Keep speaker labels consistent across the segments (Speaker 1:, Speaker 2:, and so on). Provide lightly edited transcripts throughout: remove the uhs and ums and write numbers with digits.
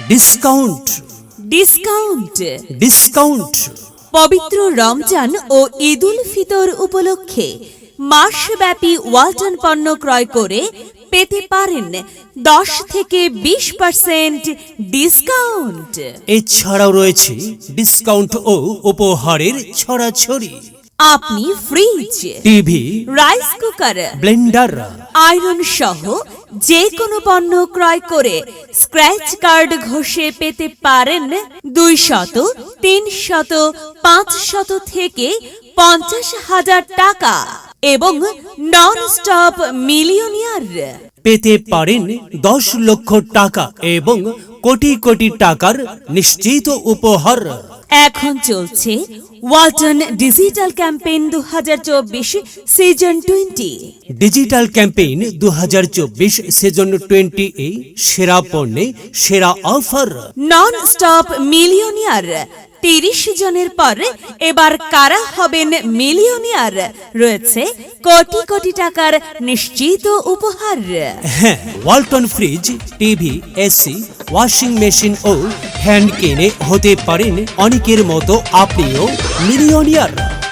Speaker 1: Discount
Speaker 2: discount
Speaker 1: discount.
Speaker 2: পবিত্র রমজান ও ঈদুল ফিতর উপলক্ষে মাসব্যাপী ওয়ালটন পণ্য ক্রয় করে পেতে পারেন 10 থেকে 20% ডিসকাউন্ট।
Speaker 1: এছাড়াও রয়েছে ডিসকাউন্ট ও উপহারের ছড়াছড়ি।
Speaker 2: আপনি fridge,
Speaker 1: TV,
Speaker 2: rice cooker,
Speaker 1: blender,
Speaker 2: iron সহ যে কোনো পণ্য ক্রয় করে স্ক্র্যাচ কার্ড ঘষে পেতে পারেন 200, 300, 500 থেকে 50,000 টাকা এবং নন স্টপ মিলিয়নিয়ার।
Speaker 1: পেতে পারেন 10 লক্ষ টাকা এবং কোটি কোটি টাকার নিশ্চিত উপহার।
Speaker 2: এখন চলছে Walton digital campaign 2024 season 20।
Speaker 1: Digital campaign 2024 season 20 এ সেরা পণ্যে সেরা অফার।
Speaker 2: নন স্টপ মিলিয়নিয়ার 30 জনের পর এবার কারা হবেন মিলিয়নিয়ার? রয়েছে কোটি কোটি টাকার নিশ্চিত উপহার।
Speaker 1: হ্যাঁ, Walton fridge, TV, AC, washing machine ও হ্যান্ড কিনে হতে পারেন অনেকের মতো আপনিও মিলিয়নিয়ার।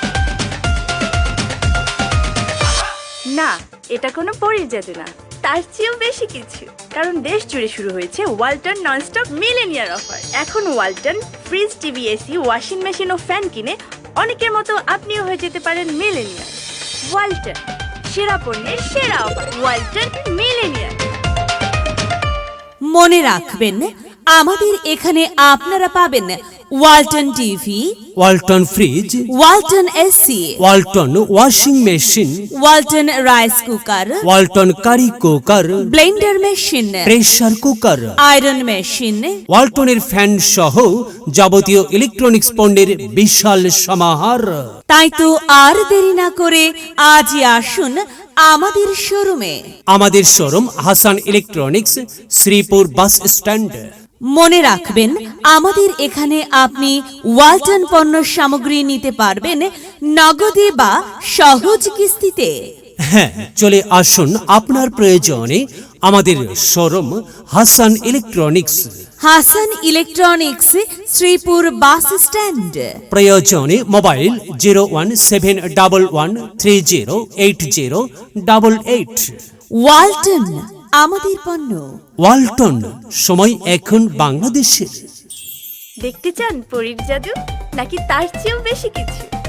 Speaker 3: না, এটা কোনো পরীর জাদু না, তার চেয়েও বেশি কিছু। কারণ দেশ জুড়ে শুরু হয়েছে ওয়ালটন ননস্টপ মিলেনিয়ার অফার। এখন Walton fridge, TV, AC, washing machine ও ফ্যান কিনে অনেকের মতো আপনিও হয়ে যেতে পারেন মিলেনিয়ার। ওয়ালটন, সেরা পণ্যের সেরা অফার। ওয়ালটন মিলেনিয়ার।
Speaker 2: মনে রাখবেন, আমাদের এখানে আপনারা পাবেন Walton TV,
Speaker 1: Walton fridge,
Speaker 2: Walton AC,
Speaker 1: Walton washing machine,
Speaker 2: Walton rice cooker,
Speaker 1: Walton curry cooker,
Speaker 2: blender machine,
Speaker 1: pressure cooker,
Speaker 2: iron machine,
Speaker 1: ওয়ালটনের ফ্যান সহ যাবতীয় ইলেকট্রনিক্স পণ্যের বিশাল সমাহার।
Speaker 2: তাই তো আর দেরি না করে আজই আসুন আমাদের শোরুমে।
Speaker 1: আমাদের showroom Hasan electronics, Sreepur bus stand.
Speaker 2: মনে রাখবেন, আমাদের এখানে আপনি ওয়ালটন পণ্য সামগ্রী নিতে পারবেন নগদে বা সহজ কিস্তিতে।
Speaker 1: হ্যাঁ, চলে আসুন আপনার প্রয়োজনে আমাদের showroom Hasan electronics.
Speaker 2: Hasan electronics, Sreepur bus stand.
Speaker 1: প্রয়োজনে মোবাইল 01711308088।
Speaker 2: ওয়ালটন, আমাদের পণ্য।
Speaker 1: ওয়ালটন, সময় এখন বাংলাদেশের।
Speaker 3: দেখতে চান পরীর জাদু নাকি তার চেয়েও বেশি কিছু?